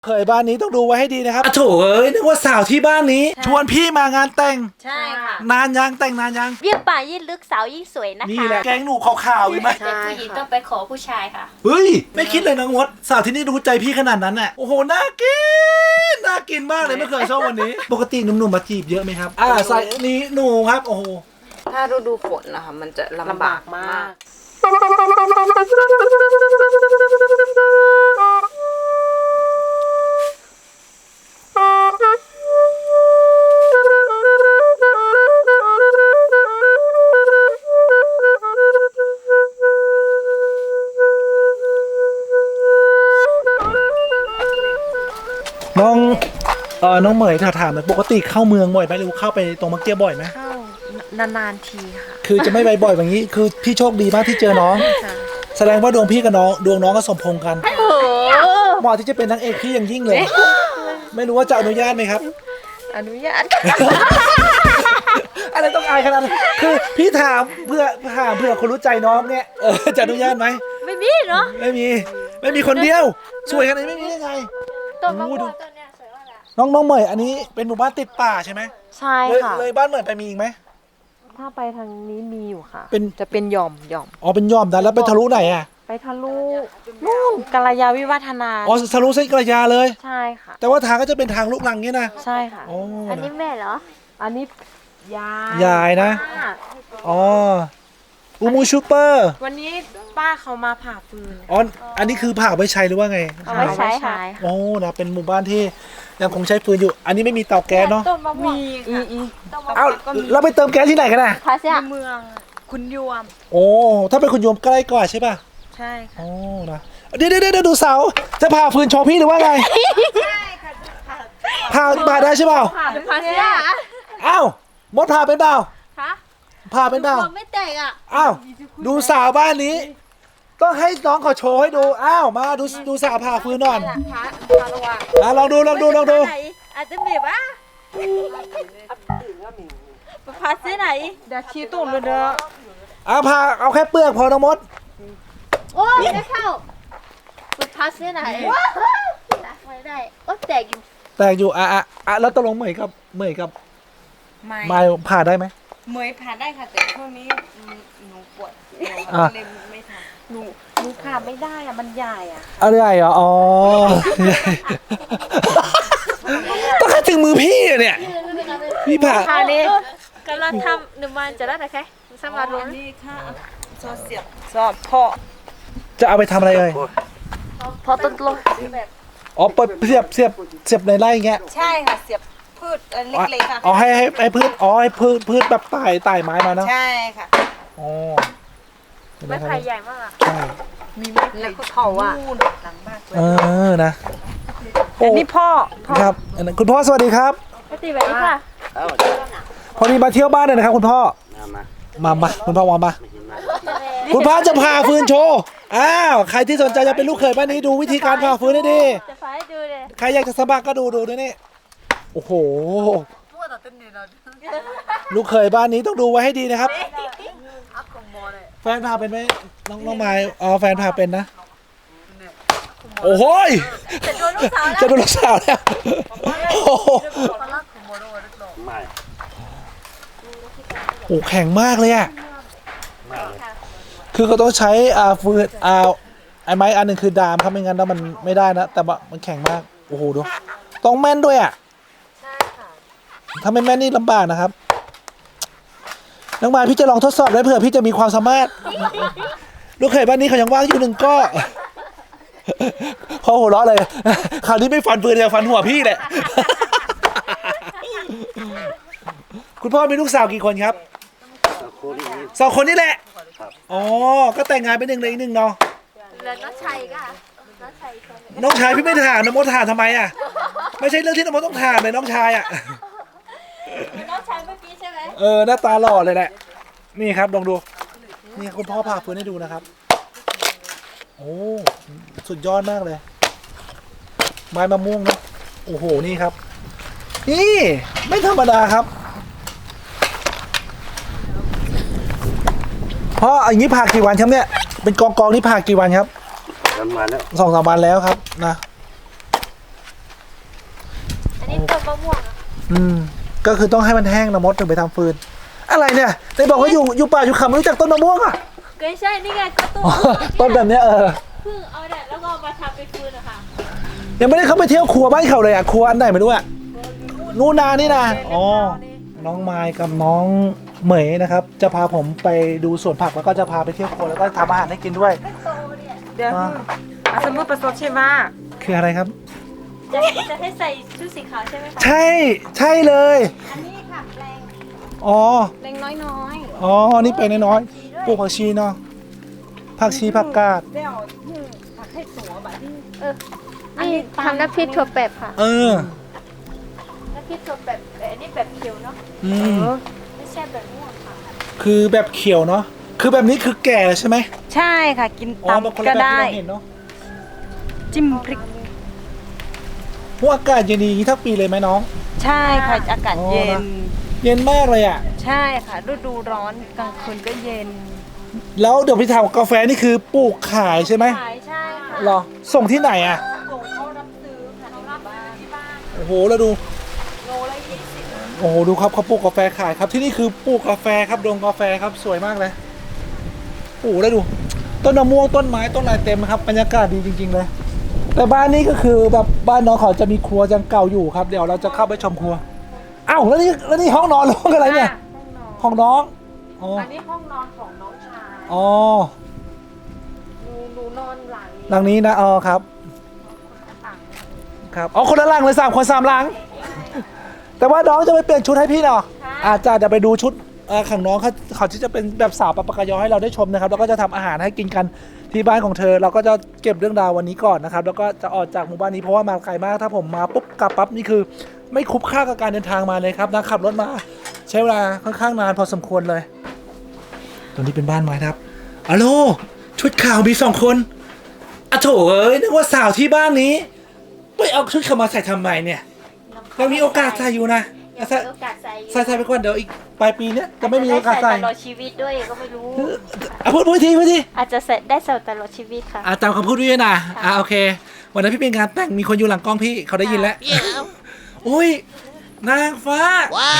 เคยบ้านนี้ต้องดูไว้ให้ดีนะครับโถเอ้ยนึกว่าสาวที่บ้านนี้ชวนพี่มางานแต่งใช่ค่ะนานยังแต่งนานยังยิ่งป่ายิ่งลึกสาวยิ่งสวยนะคะนี่แหละแกงหนูขาวๆใช่ไหมแต่ผู้หญิงต้องไปขอผู้ชายค่ะเฮ้ยไม่คิดเลยนะงดสาวที่นี่รู้ใจพี่ขนาดนั้นน่ะโอ้โหน่ากินมากเลยไม่เคยชอบวันนี้ปกติหนุ่มๆมาจีบเยอะไหมครับใส่นี้หนูครับโอ้โหถ้าฤดูฝนนะคะมันจะลำบากมากน้องเหมยถามเลยปกติเข้าเมืองบ่อยไหมหรือเข้าไปตรงมักเกี้ยบ่อยไหมเข้านานๆทีค่ะคือจะไม่บ่อยแบบนี้คือพี่โชคดีมากที่เจอน้องแสดงว่าดวงพี่กับน้องดวงน้องก็สมพงษ์กันเหมาะที่จะเป็นนางเอกพี่อย่างยิ่งเลยไม่รู้ว่าจะอนุญาตไหมครับอนุญาตอะไรต้องอายขนาดนั้นคือพี่ถามเพื่อคนรู้ใจน้องเนี่ยจะอนุญาตไหมไม่มีเนาะไม่มีคนเดียวสวยขนาดนี้ไม่มีได้ไงต้นมะม่วงต้นเนี้ยสวยมากเลยน้องเหมยอันนี้เป็นหมู่บ้านติดป่าใช่ไหมใช่ค่ะเลยบ้านเหมยไปมีอีกไหมถ้าไปทางนี้มีอยู่ค่ะจะเป็นหย่อมอ๋อเป็นย่อมดันแล้วไปทะลุไหนอ่ะไปทะลุนู่นกัลยาวิวัฒนาอ๋อทะลุเส้นกระยาเลยใช่ค่ะแต่ว่าทางก็จะเป็นทางลูกรังเงี้ยนะใช่ค่ะอันนี้แม่เหรออันนี้ยายนะอ๋ออูมูชูเปอร์วันนี้ป้าเขามาผ่าฟืนอ๋ออันนี้คือผ่าไว้ใช้หรือว่าไงเอาไว้ใช้ค่ะโอ้นะเป็นหมู่บ้านที่ยังคงใช้ฟืนอยู่ อันนี้ไม่มีเตาแก๊สเนาะต้นมะม่วงเอ้าเราไปเติมแก๊สที่ไหนกันน่ะพาเสียเมืองคุณยวมโอ้ถ้าเป็นคุณโยมใกล้กว่าใช่ป่ะใช่ค่ะโอ้นะเดี๋ยวดูเสาจะผ่าฟืนโชว์พี่หรือว่าไงใช่ค่ะผ่าได้ใช่เปล่าพาเสียอ้าวมดผ่าเป็นเปล่าผ่าเป็นเปล่าไม่แตกอ่ะอ้าวดูสาวบ้านนี้ต้องให้น้องเขาโชว์ให้ดูอ้าวมาดูสาวผ่าฟืนหน่อยลองดูอาจจะมีป่ะพาเสียไหนเดี๋ยวชี้ตุ่มเลยเด้อผ่าเอาแค่เปลือกพอน้องมดโอ้ไม่เข้าพาเสียไหนไม่ได้โอ้แตกอยู่แล้วตกลงเหมยกับไม่ผ่าได้ไหมเหมยผ่าได้ค่ะแต่ช่วงนี้หนูปวดเลยไม่ทำหนูผ่าไม่ได้อะมันใหญ่อะอะไรใหญ่เหรออ๋อต้องให้ถึงมือพี่เนี่ยพี่ผ่านี่กำลังทำหนึ่งวันจะได้ไหมคะสำหรับลุงนี่ค่ะซอสพ่อจะเอาไปทำอะไรเลยพอต้นลงอ๋อเสียบในไร่เงี้ยใช่ค่ะเสียบพืชเล็กๆค่ะอ๋อให้พืชให้พืชแบบไต่ไม้มาเนาะใช่ค่ะอ๋อไม้ไผ่ใหญ่มากใช่มีไม้แล้วก็เขาอ่ะหลังบ้านนะอันนี้พ่อครับคุณพ่อสวัสดีครับสวัสดีค่ะพอดีมาเที่ยวบ้านเลยนะครับคุณพ่อมาคุณพ่อมาคุณพ่อจะผ่าฟืนโชว์ใครที่สนใจจะเป็นลูกเขยบ้านนี้ดูวิธีการผ่าฟืนให้ดีจะผ่าให้ดูเลยใครอยากจะสมัครก็ดูด้วยนี่โอ้โหลูกเขยบ้านนี้ต้องดูไว้ให้ดีนะครับแฟนพาเป็นไหมน้องไม้แฟนพาเป็นนะโอ้โหจะโดนลูกสาวแล้วโอ้โหแข็งมากเลยอ่ะคือเขาต้องใช้ฟืนไอ้ไม้อันหนึ่งคือดามครับไม่งั้นแล้วมันไม่ได้นะแต่ว่ามันแข็งมากโอ้โหดูต้องแม่นด้วยอ่ะถ้าไม่แม่นนี่ลำบากนะครับน้องมายพี่จะลองทดสอบได้เผื่อพี่จะมีความสามารถลูกเขยบ้านนี้เขายังว่างอยู่หนึ่งก็พอหัวเราะเลยคราวนี้ไม่ฟันปืนจะฟันหัวพี่แหละคุณพ่อมีลูกสาวกี่คนครับ2 คนนี่แหละอ๋อก็แต่งงานไป1เลยอีก1เนาะแล้วน้องชัยก็น้องชายพี่ไม่ถามน้องมดถามทำไมอ่ะไม่ใช่เรื่องที่น้องมดต้องถามเลยน้องชายอ่ะน้องชายเมื่อกี้ใช่ไหมหน้าตาหล่อเลยแหละนี่ครับลองดูนี่คุณพ่อผ่าฟืนให้ดูนะครับโอ้สุดยอดมากเลยไม้มะม่วงเนาะโอ้โหนี่ครับนี่ไม่ธรรมดาครับพ่ออย่างนี้ผ่ากี่วันครับเนี่ยเป็นกองนี่ผ่ากี่วันครับ2-3 วันแล้วครับนะมะม่วงอะก็คือต้องให้มันแห้งนะมดถึงไปทำฟืน อะไรเนี่ยไหนบอกว่าอยู่ป่าอยู่เขาไม่รู้จักต้นมะม่วงอ่ะก็ใช่นี่ไงก็ต้นต้นแบบเนี้ยเพิ่งเอาแดดแล้วก็เอามาทำเป็นฟืนอะค่ะยังไม่ได้เข้าไปเที่ยวครัวบ้านเขาเลยอ่ะครัวอันไหนไม่รู้อ่ะนู่นนานี่นะอ๋อน้องไมค์กับน้องเหมยนะครับ จะพาผมไปดูสวนผักแล้วก็จะพาไปเที่ยวครัวแล้วก็ทำอาหารให้กินด้วยเดี๋ยวสมมติประสบใช่ไหมคืออะไรครับจะให้ใส่ชุดสีขาวใช่ไหมคะใช่เลยอันนี้ค่ะแปลงอ๋อแปลงน้อยอ๋อนี่เป็นน้อยๆปลูกผักชีเนาะผักชีผักกาดเดี๋ยวผักให้ตัวแบบนี้ๆนี่ทำน้ำพริกถั่วแปบค่ะ น้ำพริกถั่วแปบแต่อันนี้แบบเขียวเนาะ ไม่ใช่แบบม่วงค่ะคือแบบเขียวเนาะคือแบบนี้คือแก่ใช่ไหมใช่ค่ะกินอ๋อมันคนตำก็ละแบบได้ที่เราเห็นเนาะจิ้มพริกพวกอากาศเย็นดีทั้งปีเลยไหมน้องใช่ค่ะอากาศเย็นเย็นมากเลยอ่ะใช่ค่ะฤดูร้อนกลางคืนก็เย็นแล้วเดี๋ยวพี่ทำกาแฟนี่คือปลูกขายใช่ไหมขายใช่ค่ะหรอส่งที่ไหนอ่ะส่งเขารับซื้อค่ะเขารับที่บ้านโอ้โหแล้วดูโลละ20 โอ้โหดูครับเขาปลูกกาแฟขายครับที่นี่คือปลูกกาแฟครับดงกาแฟครับสวยมากเลยโอ้โหแล้วดู ต้นมะม่วงต้นไม้ต้นอะไรเต็มครับบรรยากาศดีจริงๆเลยแต่บ้านนี้ก็คือแบบบ้านน้องเขาจะมีครัวยังเก่าอยู่ครับเดี๋ยวเราจะเข้าไปชมครัวอ้าวแล้วนี่ห้องนอนหรือห้องอะไรเนี่ยห้องน้องอ๋ออันนี้ห้องนอนของน้องชายอ๋อหนูนอนหลังนี้หลังนี้นะอ๋อครับครับอ๋อคนละหลังเลย3 คน 3 หลัง แต่ว่าน้องจะไปเปลี่ยนชุดให้พี่เนาะอาจจะเดี๋ยวไปดูชุดของน้องเขาที่จะเป็นแบบสาวปะปะกะยอให้เราได้ชมนะครับแล้วก็จะทำอาหารให้กินกันที่บ้านของเธอเราก็จะเก็บเรื่องราววันนี้ก่อนนะครับแล้วก็จะออกจากหมู่บ้านนี้เพราะว่ามาไกลมากถ้าผมมาปุ๊บกลับปั๊บนี่คือ ไม่คุ้มค่ากับการเดินทางมาเลยครับนะขับรถมาใช้เวลาค่อนข้างนานพอสมควรเลยตรงนี้เป็นบ้านไม้ครับอะโลชุดขาวมี2 คนอะโถเอ้ยนึกว่าสาวที่บ้านนี้ไปเอาชุดเขามาใส่ทำไมเนี่ยยังมีโอกาสใส่อยู่นะยังมีโอกาสใส่ใส่ไปก่อนเดี๋ยวอีกปลายปีเนี้ยจะไม่มีโอกาสใส่ตลอดชีวิตด้วยก็ไม่รู้พูดทีอาจจะใส่ได้ใส่ตลอดชีวิตค่ะตามคำพูดด้วยนะโอเควันนั้นพี่เป็นงานแต่งมีคนอยู่หลังกล้องพี่เขาได้ยินแล้วอุ้ยนางฟ้า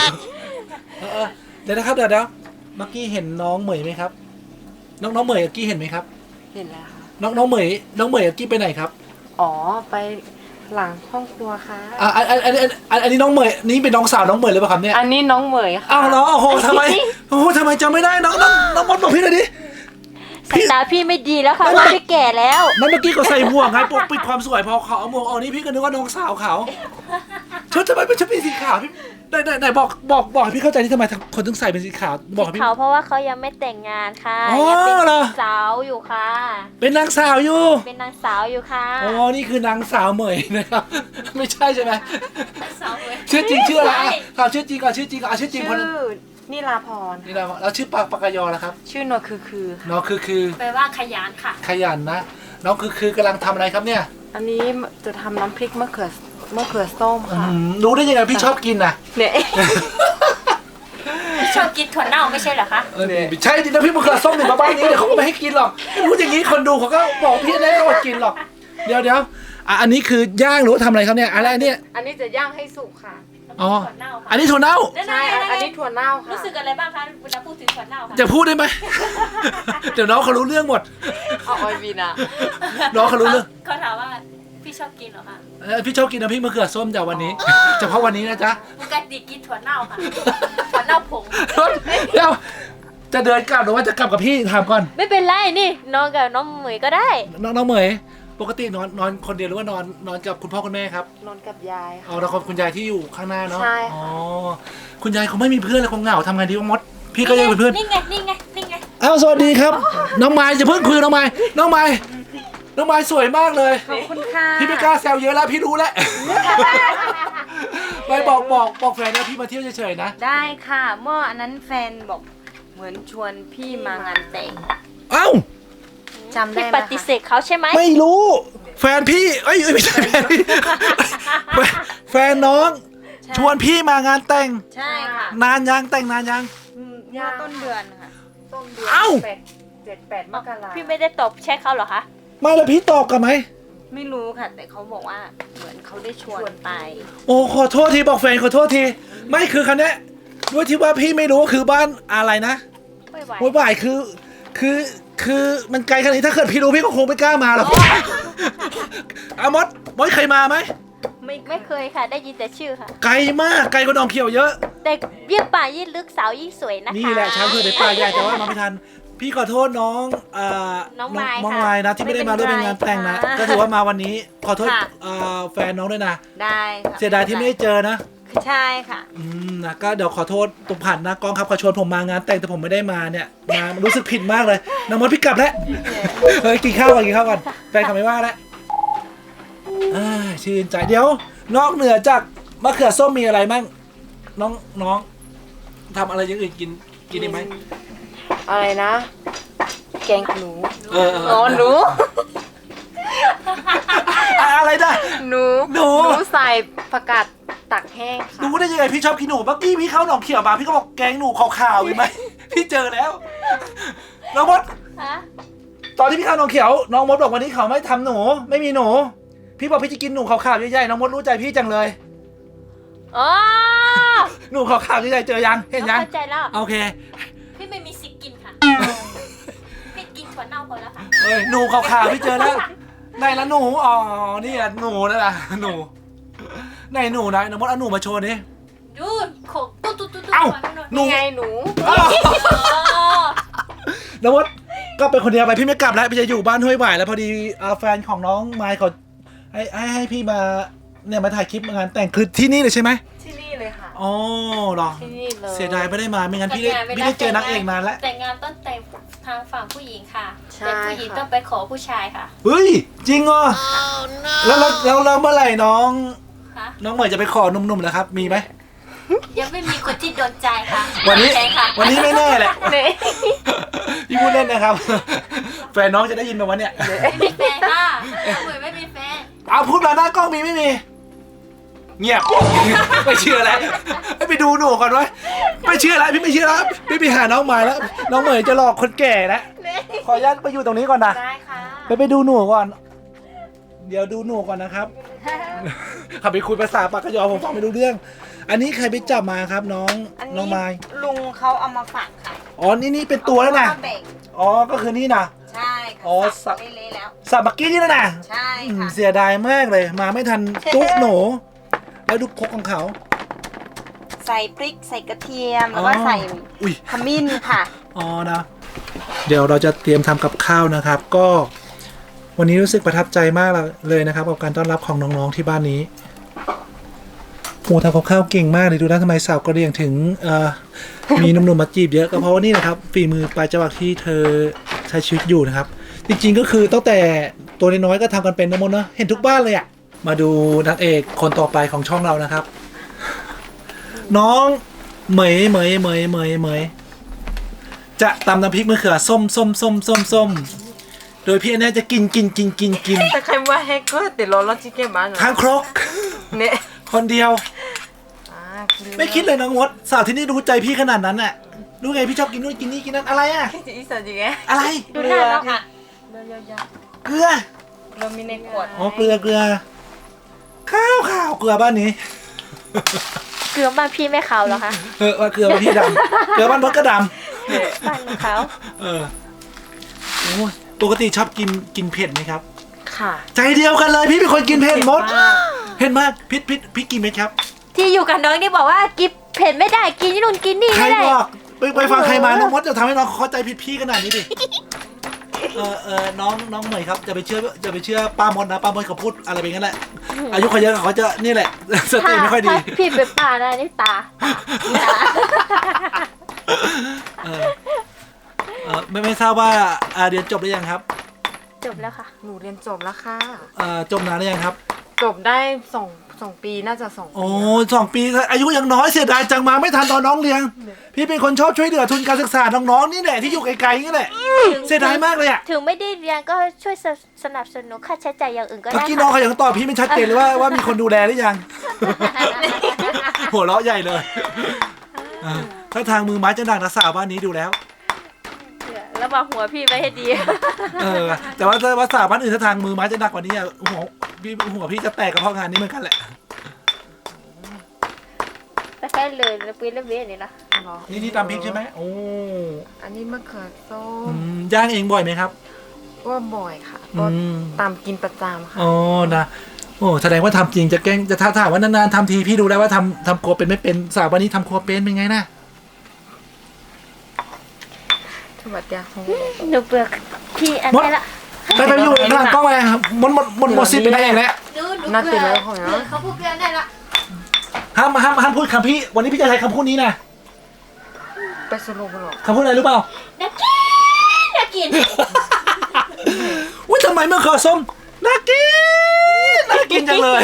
เดี๋ยวนะครับเดี๋ยวเมื่อกี้เห็นน้องเหมยไหมครับ น้องเหมยเมื่อกี้เห็นไหมครับเห็นแล้วค่ะน้องเหมยเมื่อกี้ไปไหนครับอ๋อไปหลังห้องครัวค่ะอันนี้น้องเหมยนี่เป็นน้องสาวน้องเหมยหรือเปล่าครับเนี่ยอันนี้น้องเหมยค่ะอ้าวน้องโอ้โหทำไมจำไม่ได้น้องมดบอกพี่หน่อยดิสายตาพี่ไม่ดีแล้วค่ะว่าพี่แก่แล้วนั่นเมื่อกี้ก็ใส่หมวกไงปกปิดความสวยพอเขาเอาหมวกออกนี่พี่ก็นึกว่าน้องสาวเขาชุดทำไมเป็นชุดสีขาวพี่ไหนบอกให้พี่เข้าใจที่ทำไมคนถึงใส่เป็นสีขาวบอกให้พี่เขาเพราะว่าเขายังไม่แต่งงานค่ะอ๋อยังเป็นเหรอสาวอยู่ค่ะเป็นนางสาวอยู่เป็นนางสาวอยู่ค่ะอ๋อนี่คือนางสาวเหมยนะครับ ไม่ใช่ใช่ไหมสาวเลยชื่อจริงชื่ออะไรใช่ถามชื่อจริงก่อนชื่อจริงชื่อจริงคนชื่อนิลาพรนี่เราแล้วชื่อปากกยอนะครับชื่อนวคือน้องคือแปลว่าขยันค่ะขยันนะน้องคือกำลังทำอะไรครับเนี่ยอันนี้จะทำน้ำพริกมะเขือส้มค่ะรู้ได้ยังไงพี่ชอบกินนะเนี่ยชอบกินถั่วเน่าไม่ใช่เหรอคะใช่จริงนะพี่มะเขือส้มเนี่ยมาบ้านนี้เดี๋ยวเขาก็ไม่ให้กินหรอกพูดอย่างนี้คนดูเขาก็บอกพี่แน่เขาอดกินหรอกเดี๋ยวอันนี้คือย่างหรือว่าทำอะไรครับเนี่ยอะไรเนี่ยอันนี้จะย่างให้สุกค่ะอ๋อถั่วเน่าค่ะอันนี้ถั่วเน่าใช่ อันนี้ถั่วเน่าค่ะรู้สึกอะไรบ้างคะเวลาพูดถึงถั่วเน่าค่ะจะพูดได้ไหม เดี๋ยวน้องเขารู้เรื่องหมดเอาออยบีนะน้องเขารู้เรื่องเขาถามว่าพี่ชอบกินเหรอคะพี่ชอบกินน้ำพริกมะเขือส้มจากวันนี้ เฉพาะวันนี้นะจ๊ะปกติกินถั่วเน่าค่ะ ถั่วเน่าผงเดี๋ยวจะเดินกลับหรือว่าจะกลับกับพี่ถามก่อนไม่เป็นไรนี่นอนกับน้องเหมยก็ได้น้องเหมยปกตินอนคนเดียวหรือว่านอนกับคุณพ่อคุณแม่ครับนอนกับยายค่ะเอาแล้วคุณยายที่อยู่ข้างหน้าเนาะใช่ค่ะอ๋อคุณยายเขาไม่มีเพื่อนเลยคงเหงาทำไงดีวะมดพี่ก็ยังเป็นเพื่อนนี่ไงนี่ไงนี่ไงอ้าวสวัสดีครับ น้องไม้จะเพิ่งคุยน้องไม้สวยมากเลยขอบคุณค่ะพี่ไม่กล้าแซวเยอะแล้วพี่รู้แล้ว ไม่บอกแฟนนะพี่มาเที่ยวเฉยๆนะได้ค่ะเมื่ออันนั้นแฟนบอกเหมือนชวนพี่มางานแต่งเอ้าจำได้พี่ไหมปคะฏิเสธเขาใช่ไหมไม่รู้ แฟนพี่ไม่ใช่แฟนพี่ แฟนน้อง ชวนพี่มางานแต่งใช่ค่ะนานยังแต่งนานยังเมื่อต้นเดือนค่ะ ต้นเดือนเอ้า 7-8 มกราพี่ไม่ได้ตอบแชทเขาเหรอคะไม่แล้วพี่ตอบกลันไหมไม่รู้ค่ะ แต่เขาบอกว่าเหมือนเขาได้ชวนไปโอ้ขอโทษทีบอกแฟนขอโทษทีไม่คือคันนี้ด้วยที่ว่าพี่ไม่รู้คือบ้านอะไรนะไม่ไหวโอ้ยบ่ายคือมันไกลขนาดนี้ถ้าเกิดพี่รู้พี่ก็คงไม่กล้ามาหรอกอามดเคยมาไหมไม่เคยค่ะ ได้ยินแต่ชื่อค่ะไกลมากไกลกว่าหนองเขียวเยอะแต่ยิ่งป่ายิ่งลึกสาวยิ่งสวยนะคะนี่แหละช้างเผือกในป่าใหญ่แต่ว่ามาไม่ทันพี่ขอโทษน้องน้องไมค์น้องค่ะไมค์นะที่ไม่ได้มาร่วมเป็นงานแต่งนะไม่เป็นไรค่ะก็ถือว่ามาวันนี้ขอโทษค่ะแฟนน้องด้วยนะได้ค่ะเสียดายที่ไม่ได้เจอนะใช่ค่ะนะก็เดี๋ยวขอโทษตรงผ่านนะกล้องครับเขาชวนผมมางานแต่งแต่ผมไม่ได้มาเนี่ยมารู้สึกผิดมากเลยน้องมดพี่กลับแล้วเฮ้ยกินข้าวก่อนแฟนเขาไม่ว่าแล้วชื่นใจเดี๋ยวนอกเหนือจากมะเขือส้มมีอะไรมั่งน้องทำอะไรอย่างอื่นกินได้ไหมอะไรนะ แกงหนูอ๋อหนูอะไรนะหนูหนูใส่ผักกาดตักแห้งค่ะรู้ได้ยังไงพี่ชอบกินหนูเมื่อกี้พี่เข้าหนองเขียวมาพี่ก็บอกแกงหนูขาวๆเห็นไหมพี่เจอแล้วน้องมดฮะตอนที่พี่เข้าหนองเขียวน้องมดบอกวันนี้เขาไม่ทำหนูไม่มีหนูพี่บอกพี่จะกินหนูขาวๆใหญ่ๆน้องมดรู้ใจพี่จังเลยอ๋อหนูขาวๆใหญ่ๆเจอยังเห็นยังเข้าใจแล้วโอเคพี่ไม่มีสิทธิ์กินค่ะพี่กินถั่วเน่าพอแล้วค่ะเอ้ยหนูขาวๆพี่เจอแล้วไหนละหนูอ๋อนี่อ่ะหนูนั่นแหละหนูไหนหนูนะน้องมดเอาหนูมาโชว์ดิดูขกตุ๊ดเอ้า หนูนี่ไงหนูอ้าวน้องมดก็เป็นคนเดียวไปพี่ไม่กลับแล้วพี่จะอยู่บ้านห้วยหวายแล้วพอดีแฟนของน้องไมค์เขาให้พี่มาเนี่ยมาถ่ายคลิปงานแต่งคือที่นี่เลยใช่ไหมที่นี่เลยค่ะอ๋อเหรอที่นี่เลยเสียดายไม่ได้มาไม่งั้นพี่ได้เจอนักเอกนานแล้วแต่งงานต้องแต่งทางฝั่งผู้หญิงค่ะใช่แต่ผู้หญิงค่ะต้องไปขอผู้ชายค่ะเฮ้ยจริงเหรอแล้วเมื่อไหร่น้องค่ะเหมยจะไปขอหนุ่มๆนะครับมีไหมยังไม่มีคนที่โดนใจค่ะวันนี้ใช่ค่ะวันนี้ไม่แน่แหละเนี่ยพี่พูดเล่นนะครับ แฟนน้องจะได้ยินไหมวะเนี่ยไม่มีแฟนค่ะเหมือนไม่มีแฟนเอาพูดมาหน้ากล้องมีไม่มี เงียบ ไม่เชื่อแล้วไปดูหนูก่อนไว้ไม่เชื่อแล้วพี่ไม่เชื่อแล้วพี่ไปหาน้องใหม่แล้วน้องเหมยจะหลอกคนแก่แล้วขออนุญาตไปอยู่ตรงนี้ก่อนนะได้ค่ะไปดูหนูก่อน เดี๋ยวดูหนูก่อนนะครับ ขับไปคุยภาษาปากกยอผมฟังไม่รู้เรื่อง อันนี้ใครไปจับมาครับน้องอันน้นี้องไม้ลุงเขาเอามาฝากค่ะอ๋อนี่เป็นตัวแล้วนะเอามาแบ่งอ๋อก็คือนี่นะใช่ค่ะอ๋อสับเละๆแล้วสับเมื่อกี้นี่แล้วนะใช่ค่ะเสียดายมากเลย มาไม่ทันจุ๊หนู แล้วดูครกของเขาใส่พริกใส่กระเทียมแล้วก็อ๋อใส่อุ้ยขมิ้นค่ะอ๋อนะ เดี๋ยวเราจะเตรียมทำกับข้าวนะครับ ก็วันนี้รู้สึกประทับใจมากเลยนะครับกับการต้อนรับของน้องๆที่บ้านนี้โอ้ทำกับข้าวเก่งมากเลยดูนะทำไมสาวกระเหรี่ยงถึงมีหนุ่มๆมาจีบเยอะก็เพราะว่านี่นะครับฝีมือปลายจวักที่เธอใช้ชีวิตอยู่นะครับ จริงๆก็คือตั้งแต่ตัวน้อยๆก็ทำกันเป็นนะมดเนอะเห็นทุกบ้านเลยอะมาดูนางเอกคนต่อไปของช่องเรานะครับ น้องเหมยจะตำน้ำพริกมะเขือส้มโดยพี่แน่จะกินแต่ใครว่าให้ก็ติดรถรถจิ๊กเก็ตบ้านเหรอทางครกเนี่ยคนเดียวคือไม่คิดเลยน้องมดสาวที่นี่รู้ใจพี่ขนาดนั้นน่ะรู้ไงพี่ชอบกินนู่นกินนี่กินนั่นอะไรอ่ะที่อีสานจริงไงอะไรดูหน้าน้องค่ะเรือเยอะเกลือๆเรามีในขวดอ๋อเกลือข้าวเกลือบ้านนี้เกลือบ้านพี่ไม่ขาวเหรอคะว่าเกลือบ้านพี่ดำเกลือบ้านมดก็ดบ้านหนูขาวำโอ้ยปกติชอบกินเผ็ดไหมครับค่ะใจเดียวกันเลยพี่เป็นคนกินเผ็ดมดเผ็ดมากพี่กินไหมครับที่อยู่กับน้องนี่บอกว่ากินเผ็ดไม่ได้กินนี่นู่นกินนี่ใครไม่ได้บอกไปฟังใครมาน้องมดจะทำให้น้องเข้าใจผิดพี่ขนาดนี้ดิน้องเหมยครับจะไปเชื่อป้ามดนะป้ามดเขาพูดอะไรไปงั้นแหละอายุเขาเยอะเขาจะนี่แหละสติไม่ค่อยดีถ้าพี่เป็นป่านะนี่ตาไม่ทราบว่าเรียนจบหรือยังครับจบแล้วค่ะหนูเรียนจบแล้วค่ะจบนานหรือยังครับจบได้สองปีน่าจะ2 ปีโอ้2 ปีอายุยังน้อยเสียดายจังมาไม่ทันตอนน้องเรียนพี่เป็นคนชอบช่วยเหลือทุนการศึกษาน้องๆนี่แหละที่อยู่ไกลๆนี่แหละเสียดายมากเลยอ่ะถึงไม่ได้เรียนก็ช่วยสนับสนุนค่าใช้จ่ายอย่างอื่นก็เมื่อได้กี้น้องค่ะเขายังตอบพี่ไม่ชัดเจนเลยว่ามีคนดูแลหรือยัง หัวเราะใหญ่เลยถ้าทางมือไม้จะหนักนะสาวบ้านนี้ดูแล้วรระวังหัวพี่ไว้ให้ดีแต่ว่าภาษาบ้านอื่นถ้าทางมือไม้จะหนักกว่านี้หัวพี่จะแตกกับเพราะงานนี้เหมือนกันแหละแต่แค่เลยแล้วปีนแล้วเว้ยนี่นะเหรอนี่ตำพริกใช่ไหมโอ้อันนี้มะเขือส้อืมย่างเองบ่อยไหมครับก็บ่อยค่ะ ก็ตามกินประจำค่ะอ๋อนะโอ้แสดงว่าทำจริงจะแกล้งจะถามว่านานๆทำทีพี่ดูแล้วว่าทำครัวเป็นไม่เป็นสาววันนี้ทำครัวเป็นไงนะสวัสดีค่ะหนูเปลือกพี่อันนี้ละไปอยู่หลังกล้องไปครับหมดสิบเป็นได้เองแล้วหนูเปลือกเขาพูดเปลือกได้ละห้ามพูดคำพี่วันนี้พี่จะใช้คำพูดนี้นะไปสรุปหรอคำพูดอะไรรู้เปล่าน่ากินน่ากินอุ้ยทำไมมะเขือส้มน่ากินจังเลย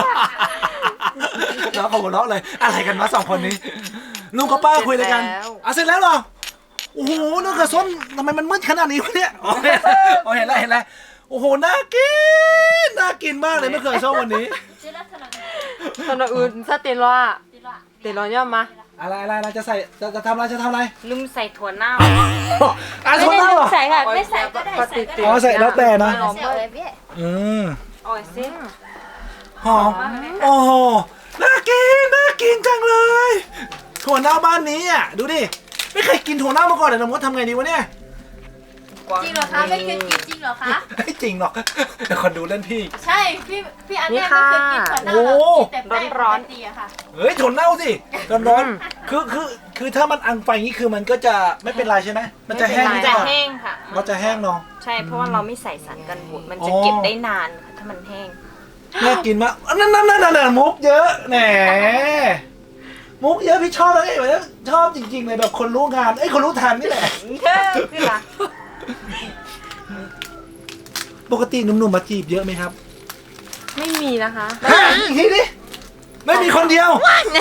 น้องเขาหัวเราะเลยอะไรกันวะสองคนนี้ลุงกับป้าคุยอะไรกันเสร็จแล้วเหรอโอ้โหมะเขือส้มทำไมมันมืดขนาดนี้วะเนี่ยอ๋อเห็นแล้วโอ้โหน่ากินมากเลยมะเขือส้มวันนี้ตอนอื่นถ้าเตลอ่ะเตลอย่อมาอะไรจะใส่จะทำอะไรลืมใส่ถั่วเน่าอ่ะไม่ชนได้ได้เหรอใส่ค่ะไม่ใส่ก็ได้ใส่ก็ได้อ๋อใส่แล้วแต่นะใส่อะไรพี่อ่อยซิหอมโอ้โหน่ากินจังเลยถั่วเน่าบ้านนี้อ่ะดูดิไม่เคยกินถั่วเน่ามาก่อนเลยน้องมดทำไงดีวะเนี่ยจริงเหรอคะไม่เคยกินจริงเหรอคะไม่จริงหรอกเดี๋ยวคนดูเล่นพี่ใช่พี่อันนี้ไม่เคยกินก่อนหน้าเรากินแต่แป้งร้อนดีอะค่ะเฮ้ยถั่วเน่าสิร้อนคือถ้ามันอังไฟอย่างนี้คือมันก็จะไม่เป็นไรใช่ไหมมันจะแห้งจะแห้งค่ะเราจะแห้งเนาะใช่เพราะว่าเราไม่ใส่สารกันบูดมันจะเก็บได้นานค่ะถ้ามันแห้งน่ากินมากนั่นมุกเยอะแหมมุกเยอะพี่ชอบเลยชอบจริงๆเลยแบบคนรู้งานคนรู้ทันนี่แหละคือละปกติหนุ่มๆมาจีบเยอะไหมครับไม่มีนะคะอีกทีดิไม่มีคนเดียว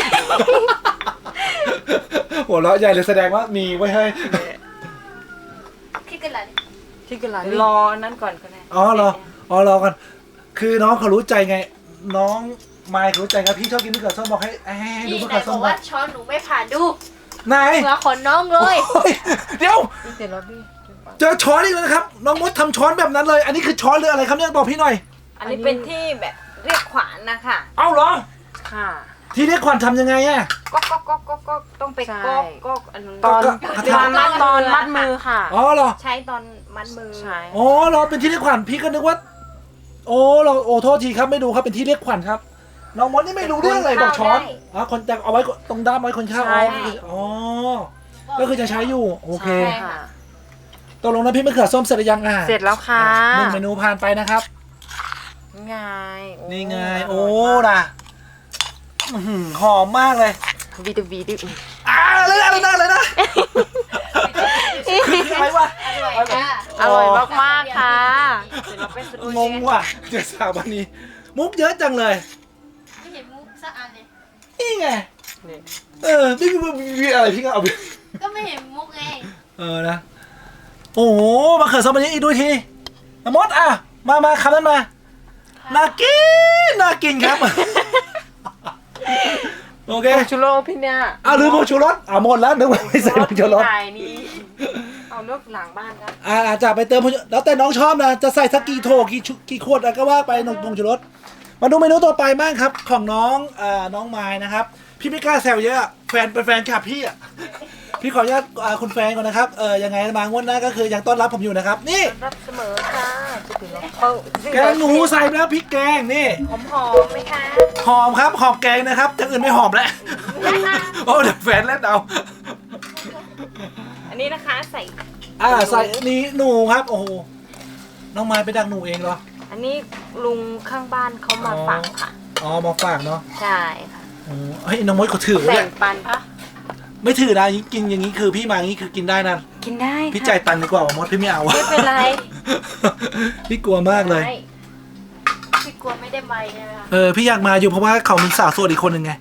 หัวเราะใหญ่เลยแสดงว่ามีไว้ให้พี่กันละที่กระไรรอนั่นก่อนก็ได้รอกันคือน้องเขารู้ใจไง น้องไมค์เขารู้ใจไงพี่ชอบกินมะเขือส้มบอกให้ดูพี่มะไหนเขือส้บมอกว่าช้อนหนูไม่ผ่านดูไหนหัวขนน้องเลยโอ้ยเดี๋ยวเตลพี่เจอช้อนอีกแล้วนะครับน้องมดทำช้อนแบบนั้นเลย อันนี้คือช้อนหรืออะไรครับเนี่ยบอกพี่หน่อยอันนี้เป็นที่แบบเรียกขวานนะคะเอ้าเหรอค่ะที่เรียกขวัญทำยังไงอะก็ต้องไปก็อันนู้นตอนก็มัดมือค่ะอ๋อเหรอใช้ตอนมัดมือใช่อ๋อเหรอเป็นที่เรียกขวัญพี่ก็นึกว่าโอ้โทษทีครับไม่ดูครับเป็นที่เรียกขวัญครับน้องมดนี่ไม่รู้เรื่องเลยบอกช้อนอ๋อคนแต่เอาไว้ตรงด้ามไว้คนข้าวอ๋อก็คือจะใช้อยู่โอเคใช่ค่ะตกลงน้ำพริกมะเขือส้มเสร็จหรือยังอ่ะเสร็จแล้วค่ะหนึ่งเมนูผ่านไปนะครับไงนี่ไงโอ้นะหอมมากเลยวีดวีดอะไรนะอะไรวะอร่อยค่ะอร่อยมากๆค่ะงงว่ะเดี๋ยวสาววันนี้ มุกเยอะจังเลยไม่เห็นมุกสักอันเลยนี่ไงพี่อะไรพี่ก็เอาไปก็ไม่เห็นมุกไงนะโอ้โหมะเขือส้มอันนี้อีกด้วยทีมดอ่ะมาคำนั้นมาน่ากินครับโอเคชูโรพี่เนี่ยลืมผงชูรสหมดแล้วนึกว่าไม่ใส่ผงชูรสถ่ายนี่เอานกหลังบ้านครับจะไปเติมผงชูแล้วแต่น้องชอบนะจะใส่สักกี่โถกี่ขวดก็ว่าไปผงชูรสมาดูเมนูต่อไปบ้างครับของน้องไม้นะครับพี่ไม่กล้าแซวเยอะแฟนเป็นแฟนคลับพี่อ่ะพี่ขออนุญาตคุณแฟนก่อนนะครับยังไงมางวดหน้าก็คือยังต้อนรับผมอยู่นะครับนี่รับเสมอค่ะจะถึงแล้วเขาแกงหนูใส่ไปแล้วพริกแกงนี่หอมไหมคะหอมครับหอมแกงนะครับอย่างอื่นไม่หอมแล้วโอ้เดี๋ยวแฟนเล่นเอาอันนี้นะคะใส่ใส่นี่หนูครับโอ้โหน้องไม้ไปดักหนูเองเหรออันนี้ลุงข้างบ้านเขามาฝากค่ะมาฝากเนาะใช่ค่ะเฮ้ยน้องมดเขาถือแบ่เนี่ยงปันไม่ถือนะกินอย่างนี้คือพี่มาอย่างนี้คือกินได้นะกินได้พี่จ่ายตังค์ดีกว่ามดพี่ไม่เอาไม่เป็นไรพี่กลัวมากเลยพี่กลัวไม่ได้ใบใช่ไหมคะพี่อยากมาอยู่เพราะว่าเขามีสาวโสดอีกคนหนึ่งไง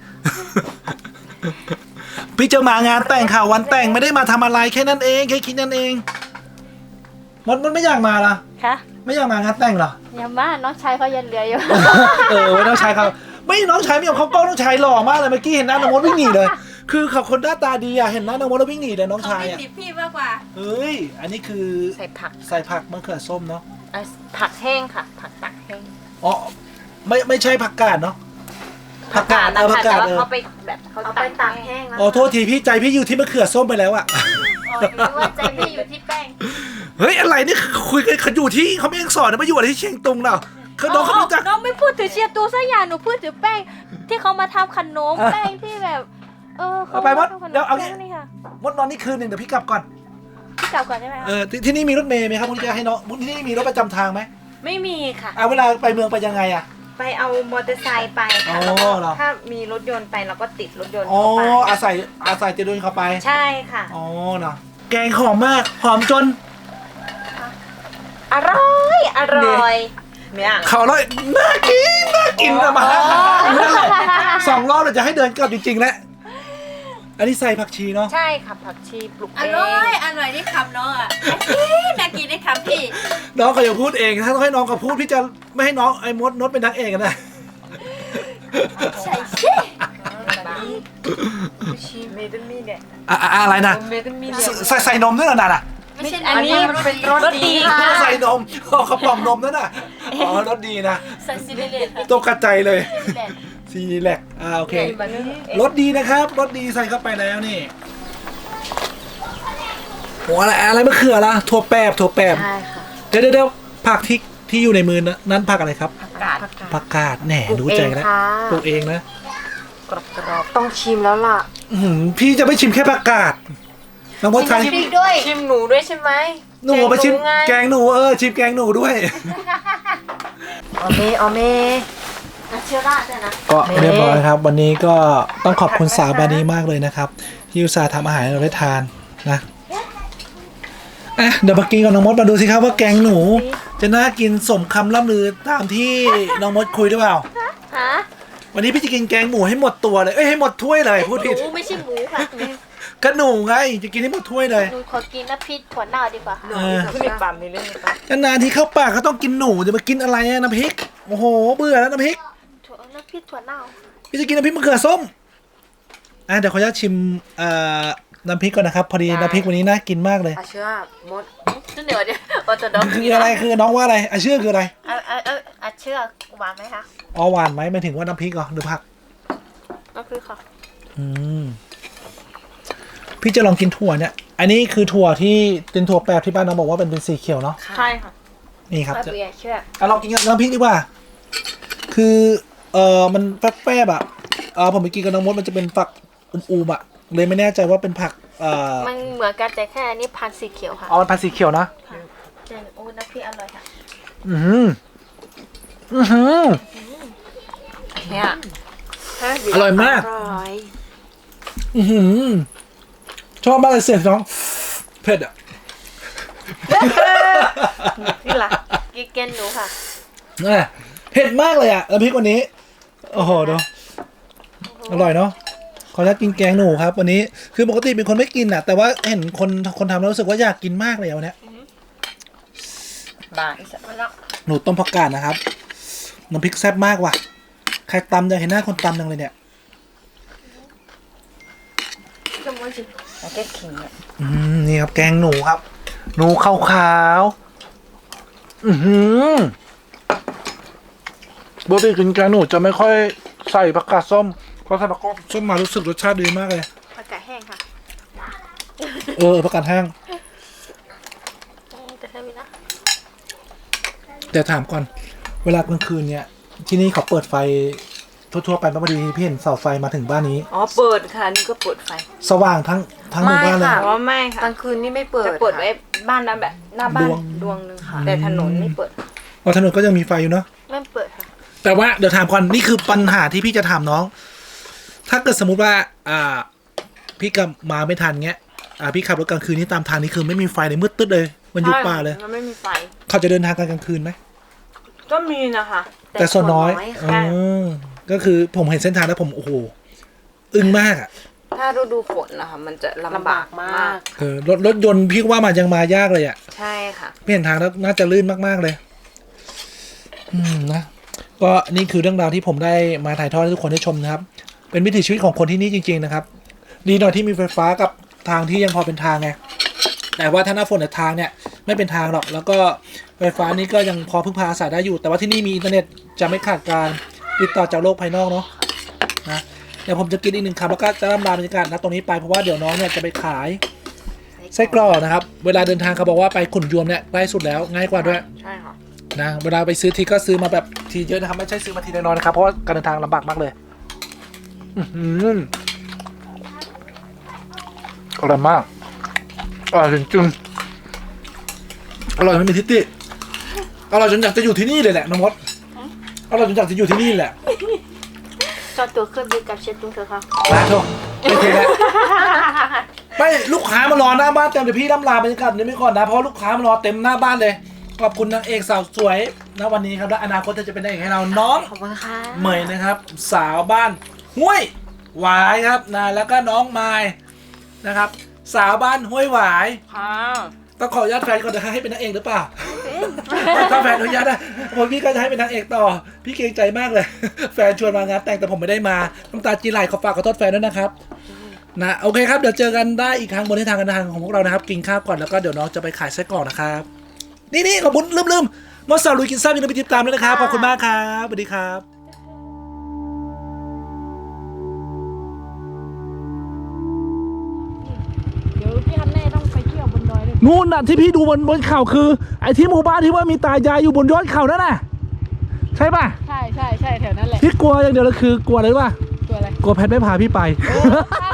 พี่จะมางานแต่งค่ะวันแต่งไม่ได้มาทำอะไรแค่นั้นเองแค่คิดนั่นเองมดไม่อยากมาล่ะคะไม่อยากมางานแต่งเหรออย่ามาน้องชายเขายันเหลืออยู่ไว้น้องชายเขาไม่น้องชายไม่ยอมเขากล้องน้องชายหล่อมากเลยเมื่อกี้เห็นหน้าน้องมดวิ่งหนีเลยคือเขาคนหน้าตาดีอะเห็นหน้าน้องมดแล้ววิ่งหนีเลยน้องเขาชายไม่อะติดพี่มากกว่าเฮ้ยอันนี้คือใส่ผักใส่ผักมะเขือส้มเนาะผักแห้งค่ะ ผักตักแห้งอ๋อไม่ใช่ผักกาดเนาะผักกาดแต่ผักกาดว่าเขาไปแบบเขาเอาไปตัตากกแห้งแล้วอ๋อโทษทีพี่ใจพี่อยู่ที่มะเขือส้มไปแล้วอะหรือว่าใจพี่อยู่ที่แป้งเฮ้ยอะไรนี่คุยกันเขาอยู่ที่เขาไม่ยังสอนนะมาอยู่อะไรที่เชียงตุงเนาะเขาน้องเขารู้จักน้องไม่พูดถึงเชียร์ตูสักอย่างหนูพูดถึงแป้งที่เขามาทำขนมแป้งที่แบบเอาไปมดทำขนมเดี๋ยวเอางี้แป้งนี่ค่ะมดนอนนี่คืนหนึ่งเดี๋ยวพี่กลับก่อนพี่กลับก่อนได้ไหมคะที่นี่มีรถเมล์ไหมครับคุณจะให้น้องที่นี่มีรถประจำทางไหมไม่มีค่ะเวลาไปเมืองไปยังไงอะไปเอามอเตอร์ไซค์ไปค่ะอ๋อแล้วก็เหรอถ้ามีรถยนต์ไปเราก็ติดรถยนต์อ๋อเข้าไปอาศัยจะเดินเข้าไปใช่ค่ะอ๋อเนาะแกงหอมมากหอมจนอร่อยอร่อยเนี่ยเขาเลยน่ากินอะมานั่นแหละ2 รอบเราจะให้เดินกลับจริงๆแล้วอันนี้ใส่ผักชีเนาะใช่ค่ะผักชีปลูกอเองร่อยอร่อยได้คำน้องอ่ะน่ากินได้คำพี่น้องเขาอย่าพูดเองถ้าต้องให้น้องเขาพูดพี่จะไม่ให้น้องไอ้มดนดเป็นนักเอกนะใช่ใช่ชีเมดมีเนี่ยอะไรนะเมดมีเนี่ยใส่นมด้วยเหรอน่ะไม่ใช่อันนี้มันเป็นรสดีนึกค่ะว่าใส่นมเขาปล่องนมนั่นน่ะอ๋อรสดีนะใส่ซีเรียสค่ะตกกระจายเลยซีเรียสซีแลกโอเคมันนี่รสดีนะครับรสดีใส่เข้าไปแล้วนี่โอ้อะไรมะเขือละถั่วแป๊บใช่ค่ะเดี๋ยวผักที่อยู่ในมือนั้นผักอะไรครับผักกาดผักกาดแหน่รู้ใจแล้วปลูกเองนะกรอบๆต้องชิมแล้วล่ะพี่จะไม่ชิมแค่ผักกาดน้องมดไทยพริกด้วยชิมหนูด้วยใช่ไหมหนูไปชิมแกงหนูชิมแกงหนูด้วยออเมนาเชื่อราดด้วยนะก็เรียบร้อยครับ วันนี้ก็ต้องขอบคุณสาวบานีมากเลยนะครับที่อุตส่าห์ทำอาหารให้เราได้ทานนะเดี๋ยวมากินกับน้องมดมาดูสิครับว่าแกงหนู จะน่ากินสมคำล่ำลือตามที่น้องมดคุยหรือเปล่าฮะวันนี้พี่จะกินแกงหมูให้หมดตัวเลยให้หมดถ้วยเลยพูดหผิดนูไม่ใช่หมูค่ะก็หนูไงจะกินให้หมดถ้วยเลยหนูขอกินน้ำพริกถั่วเน่าดีกว่าค่ะขึ้นอีกปั๊มนี่เรื่องนี้ปั๊มนานๆที่เข้าปากก็ต้องกินหนูจะมากินอะไรอะน้ำพริกโอ้โหเบื่อแล้วน้ำพริกน้ำพริกถั่วเน่าพี่จะกินน้ำพริกมะเขือส้มเดี๋ยวขออนุญาตชิมน้ำพริกก่อนนะครับ พอดีน้ำพริกวันนี้น่ากินมากเลยอาเชื่อมดจุดเดี๋ยวโอจะดมคืออะไรคือน้องว่าอะไรเชื่อคืออะไรเชื่อหวานไหมคะอ๋อหวานไหมหมายถึงว่าน้ำพริกเหรอหรือผักน้ำพริกค่ะพี่จะลองกินถั่วเนี่ย อันนี้คือถั่วที่เป็นถั่วแปบที่บ้านน้องบอกว่าเป็นสีเขียวเนาะใช่ค่ะนี่ครับเบียร์เชื่อลองกินกับน้ำพริกดีกว่า คือมันแป๊บๆผมไปกินกับน้องมดมันจะเป็นฝักอูมๆเลยไม่แน่ใจว่าเป็นผักมันเหมือนกันแต่แค่อันนี้พันธุ์สีเขียวค่ะมันพันธุ์สีเขียวนะแต่น้ำพริกอร่อยค่ะอือหืออือหือเนี่ยอร่อยมากอร่อยอือหือชอบมากเลยเสียงน้องเผ็ดอ่ะนี่ล่ะกินเกนหนูค่ะเผ็ดมากเลยอ่ะน้ำพริกวันนี้ โอ้โหดูอร่อยเนาะขออนุญาตกินแกงหนูครับ วันนี้คือปกติเป็นคนไม่กินอ่ะ แต่ว่าเห็นคนทำแล้วรู้สึกว่าอยากกินมากเลยวันนี้บางอีสัตว์หนูต้มผักกาดนะครับน้ำพริกแซ่บมากว่ะใครตำอยากเห็นหน้าคนตำจังเลยเนี่ยแล้วก็ขิงเนี่ยนี่ครับแกงหนูครับ หนูขาวๆปกติกินแกงหนูจะไม่ค่อยใส่ผักกาดส้มเพราะใส่ผักกาดส้มมารู้สึกรสชาติดีมากเลยผักกาดแห้งค่ะผักกาดแห้งแต่ถ้ามีนะแต่ถามก่อน เวลากลางคืนเนี่ย ที่นี่เขาเปิดไฟทั่วๆไปพอดีพี่เห็นเสาไฟมาถึงบ้านนี้อ๋อเปิดค่ะนี่ก็เปิดไฟสว่างทั้งหมู่บ้านเลยอ๋อไม่ค่ะกลางคืนนี่ไม่เปิดจะเปิดไว้บ้านนั้นแบบหน้าบ้านดวงนึงค่ะแต่ถนนไม่เปิดถนนก็ยังมีไฟอยู่เนาะไม่เปิดค่ะแต่ว่าเดี๋ยวถามก่อนนี่คือปัญหาที่พี่จะถามน้อง ถ้าเกิดสมมุติว่าพี่กลับมาไม่ทันเงี้ยพี่ขับรถกลางคืนนี่ตามทางนี่คือไม่มีไฟเลยมืดตึ๊ดเลยมันยุบป่าเลยมันไม่มีไฟเขาจะเดินทางกันกลางคืนไหมก็มีนะคะแต่ส่วนน้อยค่ะก็คือผมเห็นเส้นทางแล้วผมโอ้โหอึ้งมากอ่ะถ้าฤดูฝนนะคะมันจะลำบากมากรถยนต์พี่ว่ามันยังมายากเลยอ่ะใช่ค่ะพี่เห็นทางแล้วน่าจะลื่นมากๆเลยนะก็นี่คือเรื่องราวที่ผมได้มาถ่ายทอดให้ทุกคนได้ชมนะครับ เป็นวิถีชีวิตของคนที่นี่จริงๆนะครับดีหน่อยที่มีไฟฟ้ากับทางที่ยังพอเป็นทางไงแต่ว่าถ้าหน้าฝนเนี่ยทางเนี่ยไม่เป็นทางหรอกแล้วก็ไฟฟ้านี่ก็ยังพอพึ่งพาอาศัยได้อยู่ แต่ว่าที่นี่มีอินเทอร์เน็ตจะไม่ขาดการติดต่อจากโลกภายนอกเนาะนะเดี๋ยวผมจะกินอีก1 คำแล้วก็จะร่ำลาบรรยากาศนะตรงนี้ไปเพราะว่าเดี๋ยวน้องเนี่ยจะไปขายไส้กรอกนะครับเวลาเดินทางเขาบอกว่าไปขุนยวมเนี่ยใกล้สุดแล้วง่ายกว่าด้วยใช่ค่ะนะเวลาไปซื้อทีก็ซื้อมาแบบทีเยอะนะครับไม่ใช่ซื้อมาทีน้อยๆนะครับเพราะว่าการเดินทางลำบากมากเลยอร่อยมากอร่อยจริงๆอร่อยไม่มีทิฏฐิอร่อยจนอยากจะอยู่ที่นี่เลยแหละน้องมดอร่อยจนอยากจะอยู่ที่นี่แหละจอดตัวเครื่องบินกับเชฟตุ้งเถอะค่ะมาโทษไม่เทแล้วไม่ลูกค้ามารอหน้าบ้านเต็มเดี๋ยวพี่ล่ำลาบรรยากาศนี้ไม่ก่อนนะเพราะลูกค้ามารอเต็มหน้าบ้านเลยขอบคุณนางเอกสาวสวยณวันนี้ครับและอนาคตเธอจะเป็นนางเอกให้เราน้องขอบคุณค่ะเหมยนะครับสาวบ้านห้วยหวายครับนะแล้วก็น้องไม้นะครับ สาวบ้านห้วยหวายค่ะต้องขออนุญาตแฟนก่อนนะให้เป็นนางเอกหรือเปล่าถ้าแฟนอนุญาตนะผมพี่ก็จะให้เป็นนางเอกต่อพี่เกรงใจมากเลย แฟนชวนมางานแต่งแต่ผมไม่ได้มาน้ำตาจีไหลขอฝากขอโทษแฟนด้วยนะครับนะโอเคครับเดี๋ยวเจอกันได้อีกครั้งบนเส้นทางการเดินทางของพวกเรานะครับกินข้าวก่อนแล้วก็เดี๋ยวน้องจะไปขายไส้กรอกนะครับนี่ขอบคุณลืมมดสาวลุยกินแซ่บยังไปติดตามด้วยนะครับขอบคุณมากครับสวัสดีครับเดี๋ยวพี่ฮันแน่ต้องไปเที่ยวบนดอยเลยนู่นน่ะที่พี่ดูบนเขาคือไอ้ที่หมู่บ้านที่ว่ามีตายายอยู่บนยอดเขานั่นน่ะใช่ป่ะใช่แถวนั้นแหละพี่กลัวอย่างเดียวเลยคือกลัวอะไรรู้ป่ะตัวอะไรกลัวแพทไม่พาพี่ไปใช่